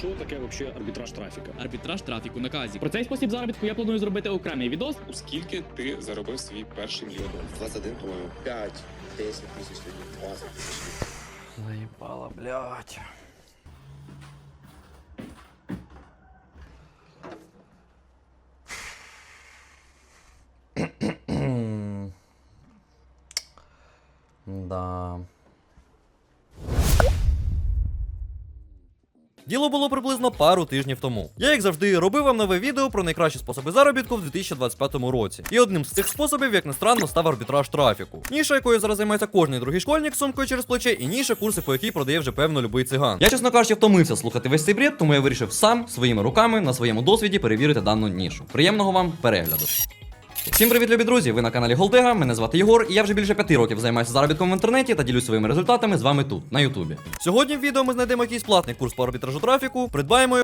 що таке взагалі арбітраж трафіка? Арбітраж трафіку на казі. Про цей спосіб заробітку я планую зробити окремий відос. У скільки ти заробив свій перший мільйон доларів? 21, по-моему. 5, 10 тысяч, 20 тысяч. Заебало, блядь. Да. Діло було приблизно пару тижнів тому. Я, як завжди, робив вам нове відео про найкращі способи заробітку в 2025 році. І одним з цих способів, як не странно, став арбітраж трафіку. Ніша, якою зараз займається кожний другий школьник з сумкою через плече, і ніша, курси по якій продає вже певно любий циган. Я, чесно кажучи, втомився слухати весь цей бред, тому я вирішив сам своїми руками на своєму досвіді перевірити дану нішу. Приємного вам перегляду. Всім привіт, любі друзі! Ви на каналі Голдега, мене звати Єгор, і я вже більше 5 років займаюся заробітком в інтернеті та ділюсь своїми результатами з вами тут, на Ютубі. Сьогодні в відео ми знайдемо якийсь платний курс по арбітражу трафіку, придбаємо